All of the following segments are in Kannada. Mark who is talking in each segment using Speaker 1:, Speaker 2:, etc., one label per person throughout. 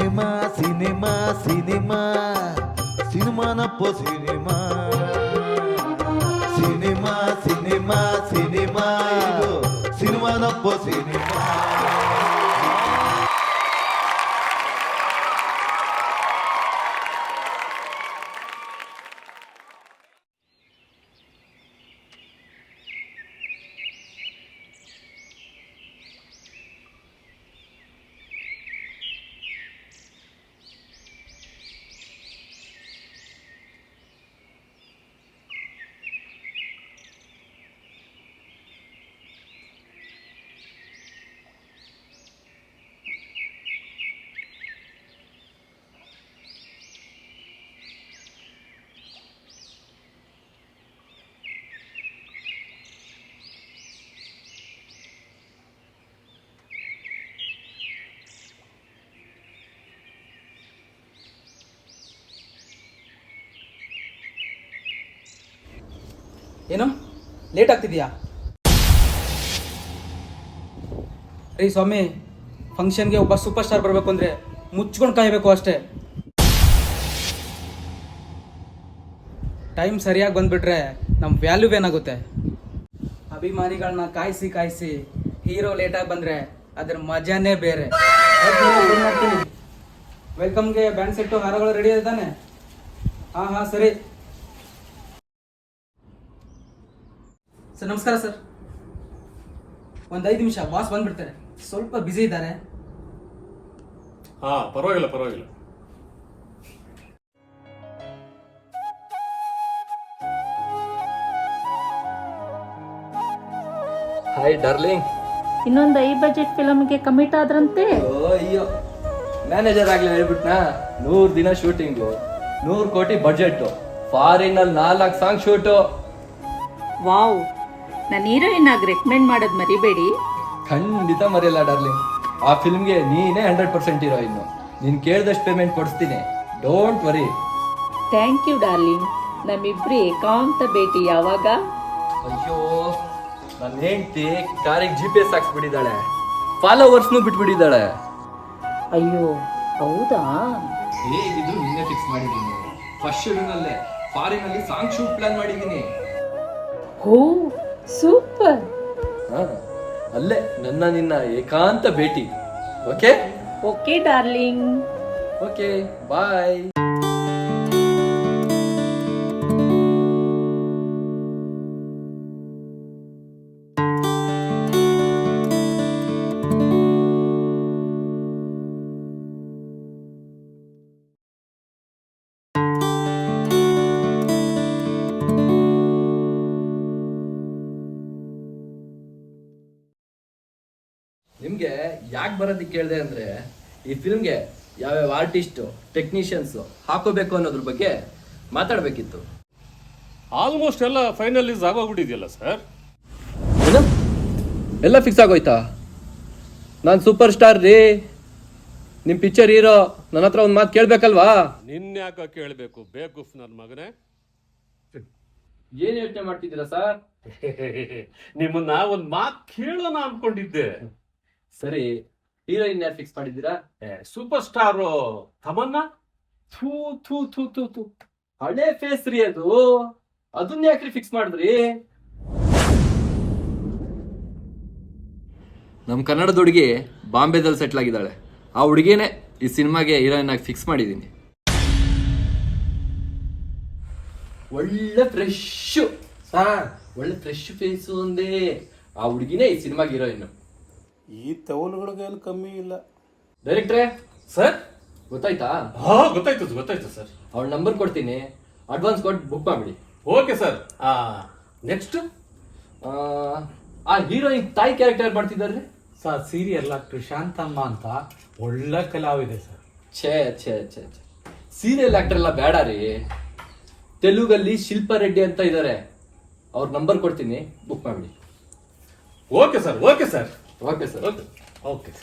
Speaker 1: ಸಿನಿಮಾ ಸಿನಿಮಾ ಸಿನಿಮಾ ಸಿನಿಮಾನಪ್ಪ ಸಿನಿಮಾ ಸಿನಿಮಾ ಸಿನಿಮಾ ಸಿನಿಮಾ ಇದು ಸಿನಿಮಾನಪ್ಪ ಸಿನಿಮಾ.
Speaker 2: ಏನು ಲೇಟ್ ಆಗ್ತಿದೆಯಾ? ರೀ ಸ್ವಾಮಿ, ಫಂಕ್ಷನ್ಗೆ ಒಬ್ಬ ಸೂಪರ್ ಸ್ಟಾರ್ ಬರಬೇಕು ಅಂದರೆ ಮುಚ್ಕೊಂಡು ಕಾಯಬೇಕು ಅಷ್ಟೇ. ಟೈಮ್ ಸರಿಯಾಗಿ ಬಂದುಬಿಟ್ರೆ ನಮ್ಮ ವ್ಯಾಲ್ಯೂ ಏನಾಗುತ್ತೆ? ಅಭಿಮಾನಿಗಳನ್ನ ಕಾಯಿಸಿ ಕಾಯಿಸಿ ಹೀರೋ ಲೇಟಾಗಿ ಬಂದರೆ ಅದರ ಮಜಾನೇ ಬೇರೆ. ವೆಲ್ಕಮ್ಗೆ ಬ್ಯಾಂಡ್ ಸೆಟ್ಟು ಹಾರಗಳು ರೆಡಿ ಇದೆ ತಾನೆ? ಹಾಂ ಸರಿ ಸರ್. ನಮಸ್ಕಾರ ಸರ್. ಒಂದು 5 ನಿಮಿಷ, ಬಾಸ್ ಬಂದ್ಬಿಡ್ತಾರೆ, ಸ್ವಲ್ಪ ಬ್ಯುಸಿ ಇದ್ದಾರೆ.
Speaker 3: ಪರವಾಗಿಲ್ಲ.
Speaker 4: Hi darling.
Speaker 5: ಇನ್ನೊಂದು ಐ ಬಜೆಟ್ ಫಿಲಮ್ಗೆ ಕಮಿಟ್ ಆದ್ರಂತೆ.
Speaker 4: ಅಯ್ಯೋ, ಮ್ಯಾನೇಜರ್ ಆಗ್ಲಿ ಹೇಳ್ಬಿಟ್ನಾ. 100 ದಿನ ಶೂಟಿಂಗು, 100 ಕೋಟಿ ಬಜೆಟ್, ಫಾರಿನ್ ಅಲ್ಲಿ 4 ಸಾಂಗ್ ಶೂಟು.
Speaker 5: ವಾವ್, ನಾನು ಹೀರೋಯಿನ್ ಆಗಿ ರೆಕಮೆಂಡ್ ಮಾಡೋದು ಮರಿಬೇಡಿ.
Speaker 4: ಖಂಡಿತ ಮರೆಯಲ್ಲ ಡಾರ್ಲಿಂಗ್. ಆ ಫಿಲ್ಮ್ಗೆ ನೀನೇ 100% ಹೀರೋಯಿನ್. ನೀನ್ ಕೇಳಿದಷ್ಟು ಪೇಮೆಂಟ್ ಕೊಡಿಸ್ತೀನಿ, don't worry.
Speaker 5: Thank you darling. ನಮ್ಮಿಬ್ರು ಏಕಾಂತ ಭೇಟಿ ಯಾವಾಗ?
Speaker 4: ಅಯ್ಯೋ, ನನ್ನ ಹೆಂಡತಿ ಕಾರಿಗೆ GPS ಹಾಕ್ಸ್ಬಿಟ್ಟಿದ್ದಾಳೆ, ಫಾಲೋವರ್ಸ್ನು ಬಿಟ್ಬಿಟ್ಟಿದ್ದಾಳೆ.
Speaker 5: ಅಯ್ಯೋ ಹೌದಾ?
Speaker 4: ಹೇಗಿದ್ರು ನಿನ್ನೆ ಫಿಕ್ಸ್ ಮಾಡಿದ್ದೀನಿ. ಫಸ್ಟ್ ಶೆಡ್ಯೂಲ್ನಲ್ಲೇ ಫಾರಿನ್ ಅಲ್ಲಿ ಸಾಂಗ್ ಶೂಟ್ ಪ್ಲಾನ್ ಮಾಡಿದ್ದೀನಿ.
Speaker 5: Oh super.
Speaker 4: ಅಲ್ಲೇ ನನ್ನ ನಿನ್ನ ಏಕಾಂತ ಭೇಟಿ. Okay
Speaker 5: okay darling.
Speaker 4: Okay bye. ನಿಮ್ಗೆ ಯಾಕೆ ಬರೋದಕ್ಕೆ ಕೇಳಿದೆ ಅಂದ್ರೆ, ಈ ಫಿಲ್ಮ್ಗೆ ಯಾವ್ಯಾವ ಆರ್ಟಿಸ್ಟು ಟೆಕ್ನಿಷಿಯನ್ಸ್ ಹಾಕೋಬೇಕು ಅನ್ನೋದ್ರ ಬಗ್ಗೆ ಮಾತಾಡ್ಬೇಕಿತ್ತು.
Speaker 3: ಆಲ್ಮೋಸ್ಟ್ ಎಲ್ಲ ಫೈನಲೈಸ್ ಆಗೋಗ್ಬಿಟ್ಟಿದೆಯಲ್ಲ ಸರ್.
Speaker 4: ಏನು ಎಲ್ಲ ಫಿಕ್ಸ್ ಆಗೋಯ್ತಾ? ನಾನು ಸೂಪರ್ ಸ್ಟಾರ್ ರೀ, ನಿಮ್ಮ ಪಿಕ್ಚರ್ ಹೀರೋ, ನನ್ನ ಹತ್ರ ಒಂದು ಮಾತು ಕೇಳಬೇಕಲ್ವಾ?
Speaker 3: ನಿನ್ಯಾಕ ಕೇಳಬೇಕು ಬೇಕುಫ್ ನನ್ನ ಮಗನೇ.
Speaker 4: ಏನ್ ಯೋಚನೆ ಮಾಡ್ತಿದ್ದೀರಾ ಸರ್?
Speaker 3: ನಿಮ್ಮನ್ನ ಒಂದು ಮಾತು ಕೇಳೋಣ ಅನ್ಕೊಂಡಿದ್ದೆ.
Speaker 4: ಸರಿ, ಹೀರೋಯಿನ್ ಯಾರು ಫಿಕ್ಸ್ ಮಾಡಿದ್ದೀರಾ?
Speaker 3: Super star Tamannaah.
Speaker 4: ಥೂ ಥೂ ಥೂ ಥೂ ಥೂ, ಹಳೆ ಫೇಸ್ ರೀ ಅದು, ಅದನ್ನ ಯಾಕ್ರಿ ಫಿಕ್ಸ್ ಮಾಡಿದ್ರಿ? ನಮ್ಮ ಕನ್ನಡದ ಹುಡುಗಿ ಬಾಂಬೆದಲ್ಲಿ ಸೆಟ್ಲ್ ಆಗಿದ್ದಾಳೆ. ಆ ಹುಡುಗಿನೇ ಈ ಸಿನಿಮಾಗೆ ಹೀರೋಯಿನ್ ಆಗಿ ಫಿಕ್ಸ್ ಮಾಡಿದ್ದೀನಿ. ಒಳ್ಳೆ ಫ್ರೆಶ್ ಸರ್, ಒಳ್ಳೆ ಫ್ರೆಶ್ ಫೇಸು ಒಂದೇ. ಆ ಹುಡುಗಿನೇ ಈ ಸಿನಿಮಾಗೆ ಹೀರೋಯಿನ್.
Speaker 6: ಈ ತವಲುಗಳಿಗೆ ಕಮ್ಮಿ ಇಲ್ಲ.
Speaker 4: ಡೈರೆಕ್ಟ್ರೇ ಸರ್, ಗೊತ್ತಾಯ್ತಾ?
Speaker 3: ಗೊತ್ತಾಯ್ತು ಸರ್.
Speaker 4: ಅವಳ ನಂಬರ್ ಕೊಡ್ತೀನಿ, ಅಡ್ವಾನ್ಸ್ ಕೊಟ್ಟು ಬುಕ್ ಮಾಡ್ಬಿಡಿ.
Speaker 3: Okay sir. ನೆಕ್ಸ್ಟ್
Speaker 4: ಆ ಹೀರೋಯಿನ್ ತಾಯಿ ಕ್ಯಾರೆಕ್ಟರ್ ಮಾಡ್ತಿದ್ದಾರೆ
Speaker 6: ಸರ್. ಸೀರಿಯಲ್ ಆಕ್ಟರ್ ಶಾಂತಮ್ಮ ಅಂತ ಒಳ್ಳೆ ಕಲಾವಿದೆ ಸರ್.
Speaker 4: ಛೇ ಛೇ ಛೇ ಛೇ, ಸೀರಿಯಲ್ ಆಕ್ಟರ್ ಎಲ್ಲ ಬೇಡ ರೀ. ತೆಲುಗಲ್ಲಿ ಶಿಲ್ಪಾ ರೆಡ್ಡಿ ಅಂತ ಇದ್ದಾರೆ, ಅವ್ರ ನಂಬರ್ ಕೊಡ್ತೀನಿ, ಬುಕ್ ಮಾಡ್ಬಿಡಿ.
Speaker 3: Okay sir.
Speaker 4: Okay sir.
Speaker 3: Okay.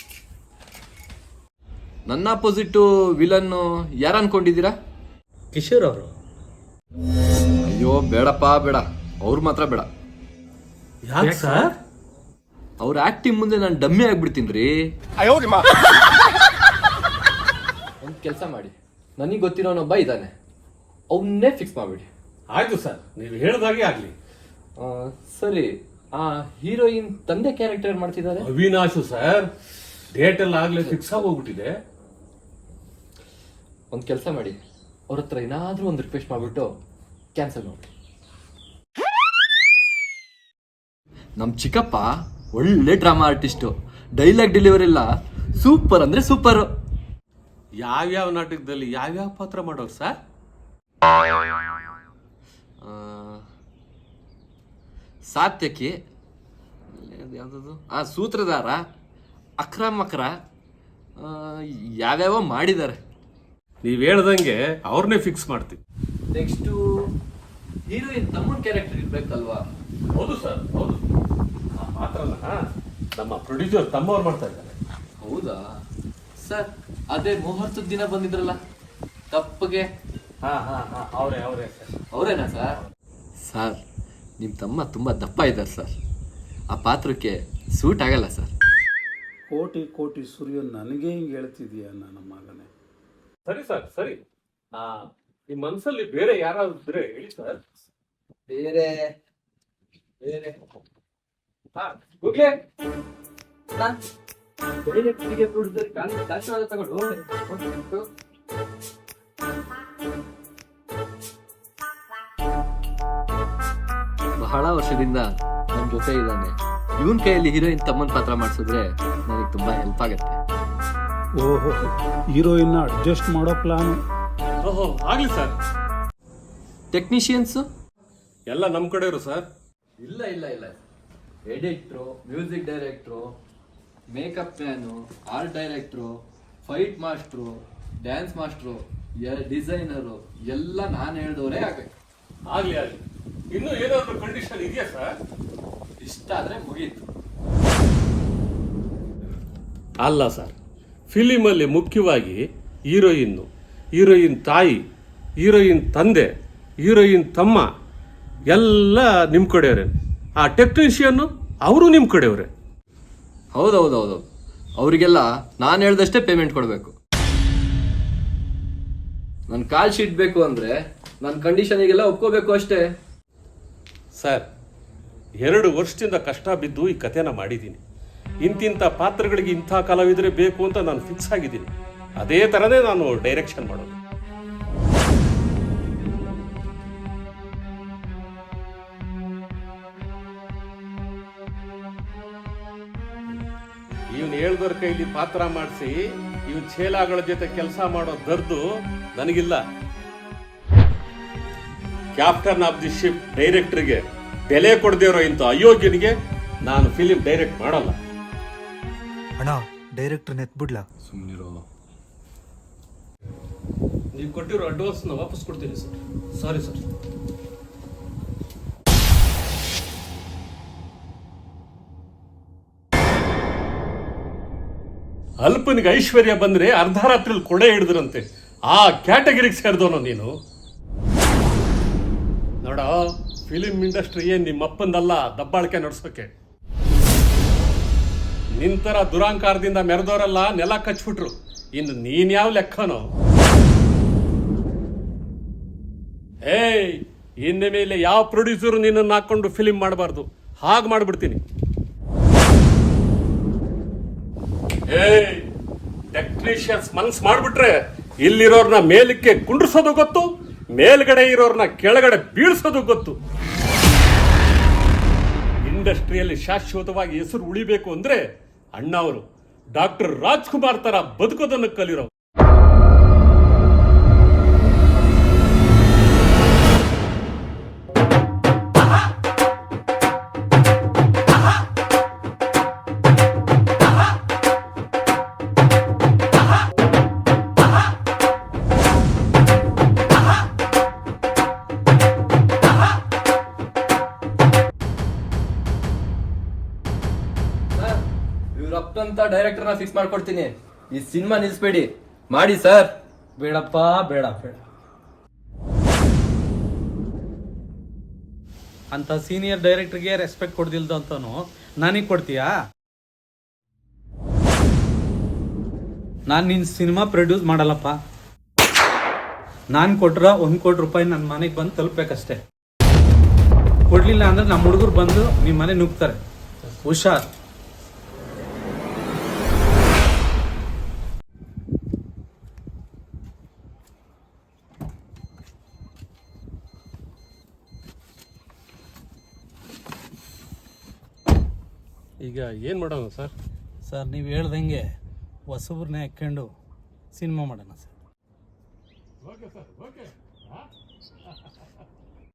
Speaker 4: ನನ್ನ ಅಪೋಸಿಟ್ ವಿಲನ್ ಯಾರು ಅನ್ಕೊಂಡಿದ್ದೀರಾ?
Speaker 6: ಕಿಶೋರ್ ಅವರು.
Speaker 4: ಅಯ್ಯೋ ಬೇಡಪ್ಪ, ಬೇಡ, ಅವ್ರು ಮಾತ್ರ ಬೇಡ.
Speaker 6: ಯಾಕೆ ಸರ್?
Speaker 4: ಅವ್ರ ಆಕ್ಟಿಂಗ್ ಮುಂದೆ ನಾನು ಡಮ್ಮಿ ಆಗ್ಬಿಡ್ತೀನಿ ರೀ. ಒಂದು ಕೆಲಸ ಮಾಡಿ, ನನಗೆ ಗೊತ್ತಿರೋನೊಬ್ಬ ಇದ್ದಾನೆ, ಅವನ್ನೇ ಫಿಕ್ಸ್ ಮಾಡಿಬಿಡಿ.
Speaker 3: ಆಯ್ತು ಸರ್, ನೀವು ಹೇಳ್ದಾಗೆ ಆಗ್ಲಿ.
Speaker 4: ಸರಿ, ಆ ಹೀರೋಯಿನ್ ತಂದೆ ಕ್ಯಾರೆಕ್ಟರ್ ಮಾಡ್ತಿದ್ದಾರೆ.
Speaker 3: ಅವಿನಾಶು ಸರ್, ಡೇಟ್ ಎಲ್ಲ ಆಗ್ಲೇ ಫಿಕ್ಸ್ ಆಗಿ ಹೋಗ್ಬಿಟ್ಟಿದೆ.
Speaker 4: ಒಂದು ಕೆಲಸ ಮಾಡಿ, ಅವ್ರ ಹತ್ರ ಏನಾದ್ರೂ ಒಂದು ರಿಕ್ವೆಸ್ಟ್ ಮಾಡ್ಬಿಟ್ಟು ಕ್ಯಾನ್ಸಲ್ ಮಾಡಿ. ನಮ್ಮ ಚಿಕ್ಕಪ್ಪ ಒಳ್ಳೆ ಡ್ರಾಮಾ ಆರ್ಟಿಸ್ಟು, ಡೈಲಾಗ್ ಡೆಲಿವರಿ ಎಲ್ಲ ಸೂಪರ್ ಅಂದ್ರೆ ಸೂಪರ್.
Speaker 3: ಯಾವ್ಯಾವ ನಾಟಕದಲ್ಲಿ ಯಾವ್ಯಾವ ಪಾತ್ರ ಮಾಡೋರು ಸರ್?
Speaker 4: ಸಾತ್ಯಕಿ, ಯಾವ್ದದು, ಸೂತ್ರಧಾರ, ಅಕ್ರಮಕ್ರ, ಯಾವ್ಯಾವ ಮಾಡಿದ್ದಾರೆ.
Speaker 3: ನೀವ್ ಹೇಳ್ದಂಗೆ ಅವ್ರನ್ನೇ ಫಿಕ್ಸ್ ಮಾಡ್ತೀವಿ.
Speaker 4: ನೆಕ್ಸ್ಟು ಹೀರೋಯಿನ್ ತಮ್ಮನ ಕ್ಯಾರೆಕ್ಟರ್ ಇರ್ಬೇಕಲ್ವಾ?
Speaker 3: ಹೌದು ಸರ್, ಹೌದು. ಆ ಪಾತ್ರನ ನಮ್ಮ ಪ್ರೊಡ್ಯೂಸರ್ ತಮ್ಮವ್ರು ಮಾಡ್ತಾ ಇದ್ದಾರೆ.
Speaker 4: ಹೌದಾ ಸರ್? ಅದೇ ಮುಹೂರ್ತದ ದಿನ ಬಂದಿದ್ರಲ್ಲ ತಪ್ಪಗೆ,
Speaker 3: ಅವರೇ ಸರ್.
Speaker 4: ಅವರೇನಾ ಸರ್? ಸರ್, ನಿಮ್ಮ ತಮ್ಮ ತುಂಬ ದಪ್ಪ ಇದ್ದಾರೆ ಸರ್, ಆ ಪಾತ್ರಕ್ಕೆ ಸೂಟ್ ಆಗಲ್ಲ ಸರ್.
Speaker 6: ಕೋಟಿ ಕೋಟಿ ಸೂರ್ಯ ನನಗೆ ಹಿಂಗೆ ಹೇಳ್ತಿದೀಯ ನನ್ನ ಮಗನೇ.
Speaker 3: ಸರಿ ಸರ್, ಸರಿ. ನಿಮ್ ಮನ್ಸಲ್ಲಿ ಬೇರೆ ಯಾರಾದ್ರೂ ಇದ್ರೆ ಹೇಳಿ ಸರ್.
Speaker 4: ಬೇರೆ ಬೇರೆ ಗೂಗ್ಲೆ, ತಗೊಂಡು ಬಹಳ ವರ್ಷದಿಂದ ನನ್ನ ಜೊತೆ ಇದ್ದಾನೆ. ಇವನ್ ಕೈಯಲ್ಲಿ ಹೀರೋಯಿನ್ ತಮ್ಮನ್ ಪಾತ್ರ ಮಾಡಿಸಿದ್ರೆ ನನಗೆ ತುಂಬಾ ಹೆಲ್ಪ್ ಆಗುತ್ತೆ.
Speaker 6: ಓಹೋ, ಹೀರೋಯಿನ್ನ ಅಡ್ಜಸ್ಟ್ ಮಾಡೋ ಪ್ಲಾನು.
Speaker 3: ಓಹೋ, ಆಗ್ಲಿ ಸರ್.
Speaker 4: ಟೆಕ್ನಿಷಿಯನ್ಸ್
Speaker 3: ಎಲ್ಲ ನಮ್ ಕಡೆಯವರು ಸರ್.
Speaker 4: ಇಲ್ಲ ಇಲ್ಲ ಇಲ್ಲ, editor, music director, makeup man, art director, fight master, dance master, designer ಎಲ್ಲ ನಾನು ಹೇಳ್ದವರೇ ಆಗಬೇಕು.
Speaker 3: ಆಗ್ಲಿ ಆಗ್ಲಿ. ಇನ್ನು ಏನಾದ್ರು ಕಂಡೀಷನ್ ಇದೆಯಾ ಸರ್?
Speaker 4: ಇಷ್ಟ ಆದ್ರೆ ಮುಗೀತು.
Speaker 3: ಅಲ್ಲ ಸರ್, ಫಿಲಿಮಲ್ಲಿ ಮುಖ್ಯವಾಗಿ ಹೀರೋಯಿನ್ ತಾಯಿ, ಹೀರೋಯಿನ್ ತಂದೆ, ಹೀರೋಯಿನ್ ತಮ್ಮ ಎಲ್ಲ ನಿಮ್ಮ ಕಡೆಯವರೇ. ಆ ಟೆಕ್ನಿಷಿಯನ್ನು ಅವರು ನಿಮ್ಮ ಕಡೆಯವರೇ.
Speaker 4: ಹೌದೌದೌದು, ಅವರಿಗೆಲ್ಲ ನಾನು ಹೇಳ್ದಷ್ಟೇ ಪೇಮೆಂಟ್ ಕೊಡಬೇಕು. ನನ್ನ ಕಾಲ್ ಶೀಟ್ ಬೇಕು ಅಂದ್ರೆ ನನ್ನ ಕಂಡೀಷನಿಗೆಲ್ಲ ಒಪ್ಕೋಬೇಕು ಅಷ್ಟೇ.
Speaker 3: ಸರ್, 2 ವರ್ಷದಿಂದ ಕಷ್ಟ ಬಿದ್ದು ಈ ಕಥೆನ ಮಾಡಿದ್ದೀನಿ. ಇಂತಿಂಥ ಪಾತ್ರಗಳಿಗೆ ಇಂಥ ಕಲಾವಿದರೆ ಬೇಕು ಅಂತ ನಾನು ಫಿಕ್ಸ್ ಆಗಿದ್ದೀನಿ. ಅದೇ ಥರನೇ ನಾನು ಡೈರೆಕ್ಷನ್ ಮಾಡೋದು. ಇವನು ಹೇಳ್ದವ್ರ ಕೈಲಿ ಪಾತ್ರ ಮಾಡಿಸಿ ಇವನ್ ಚೇಲಾಗಳ ಜೊತೆ ಕೆಲಸ ಮಾಡೋ ದರ್ದು ನನಗಿಲ್ಲ. ಕ್ಯಾಪ್ಟನ್ ಆಫ್ ದಿ ಶಿಪ್ ಡೈರೆಕ್ಟರ್ಗೆ ಬೆಲೆ ಕೊಡದಿರೋ ಇಂಥ ಅಯೋಗ್ಯನಿಗೆ ನಾನು ಫಿಲಿಂ ಡೈರೆಕ್ಟ್ ಮಾಡಲ್ಲ.
Speaker 7: ಅಣ್ಣ, ಡೈರೆಕ್ಟರ್ ನೆತ್ಬಿಡ್ಲಾ?
Speaker 4: ಸುಮ್ಮನಿರೋ.
Speaker 3: ನೀವು ಕೊಟ್ಟಿರೋ ಅಡ್ವಾನ್ಸ್ನ ವಾಪಸ್ ಕೊಡ್ತೀನಿ ಸರ್. Sorry sir. ಅಲ್ಪನಿಗೆ ಐಶ್ವರ್ಯ ಬಂದ್ರೆ ಅರ್ಧ ರಾತ್ರಿಲಿ ಕೊಡೆ ಹಿಡಿದ್ರಂತೆ. ಆ ಕ್ಯಾಟಗರಿಗೆ ಸೇರಿದವನು ನೀನು. ನೋಡ, ಫಿಲಿಂ ಇಂಡಸ್ಟ್ರಿ ಏನ್ ನಿಮ್ಮಪ್ಪಂದಲ್ಲ ದಬ್ಬಾಳಿಕೆ ನಡೆಸೋಕೆ. ನಿಂತರ ದುರಾಂಕಾರದಿಂದ ಮೆರೆದವರೆಲ್ಲ ನೆಲ ಕಚ್ಬಿಟ್ರು. ಇನ್ನು ನೀನ್ ಯಾವ ಲೆಕ್ಕನೋ? ಏಯ್, ಇನ್ನು ಮೇಲೆ ಯಾವ ಪ್ರೊಡ್ಯೂಸರು ನಿನ್ನನ್ನು ಹಾಕೊಂಡು ಫಿಲಿಂ ಮಾಡಬಾರ್ದು. ಹಾಗೆ ಮಾಡ್ಬಿಡ್ತೀನಿ. ಏಯ್, ಟೆಕ್ನಿಷಿಯನ್ಸ್ ಮನ್ಸ್ ಮಾಡ್ಬಿಟ್ರೆ ಇಲ್ಲಿರೋರ್ನ ಮೇಲಕ್ಕೆ ಕುಂಡ್ರಿಸೋದು ಗೊತ್ತು, ಮೇಲ್ಗಡೆ ಇರೋರ್ನ ಕೆಳಗಡೆ ಬೀಳ್ಸೋದು ಗೊತ್ತು. ಇಂಡಸ್ಟ್ರಿಯಲ್ಲಿ ಶಾಶ್ವತವಾಗಿ ಹೆಸರು ಉಳಿಬೇಕು ಅಂದ್ರೆ ಅಣ್ಣ ಅವರು ಡಾಕ್ಟರ್ ರಾಜ್ಕುಮಾರ್ ತರ ಬದುಕೋದನ್ನು ಕಲಿರೋ.
Speaker 4: ಇವ್ರಪ್ಪಂತ ಡೈರೆಕ್ಟರ್ನ ಫಿಕ್ಸ್ ಮಾಡ್ಕೊಡ್ತೀನಿ. ಈ ಸಿನಿಮಾ ನಿಲ್ಸ್ಬೇಡಿ, ಮಾಡಿ ಸರ್.
Speaker 6: ಬೇಡಪ್ಪ, ಬೇಡ ಬೇಡ. ಅಂತ ಸೀನಿಯರ್ ಡೈರೆಕ್ಟರ್ಗೆ ರೆಸ್ಪೆಕ್ಟ್ ಕೊಡ್ದಿಲ್ದು ಅಂತನೂ ನನಗೆ ಕೊಡ್ತೀಯಾ? ನಾನು ನಿನ್ನ ಸಿನಿಮಾ ಪ್ರೊಡ್ಯೂಸ್ ಮಾಡಲ್ಲಪ್ಪ. ನಾನು ಕೊಟ್ರ 1 ಕೋಟಿ ರೂಪಾಯಿ ನನ್ನ ಮನೆಗೆ ಬಂದು ತಲುಪಬೇಕಷ್ಟೇ. ಕೊಡ್ಲಿಲ್ಲ ಅಂದ್ರೆ ನಮ್ಮ ಹುಡುಗರು ಬಂದು ನಿಮ್ಮ ಮನೆ ನುಗ್ತಾರೆ. ಹುಷಾರ್.
Speaker 3: ಈಗ ಏನು ಮಾಡೋಣ ಸರ್?
Speaker 6: ಸರ್ ನೀವು ಹೇಳ್ದಂಗೆ ಹೊಸಬ್ರನ್ನೇ ಹಾಕ್ಕೊಂಡು ಸಿನಿಮಾ ಮಾಡೋಣ ಸರ್.
Speaker 3: Okay sir, okay.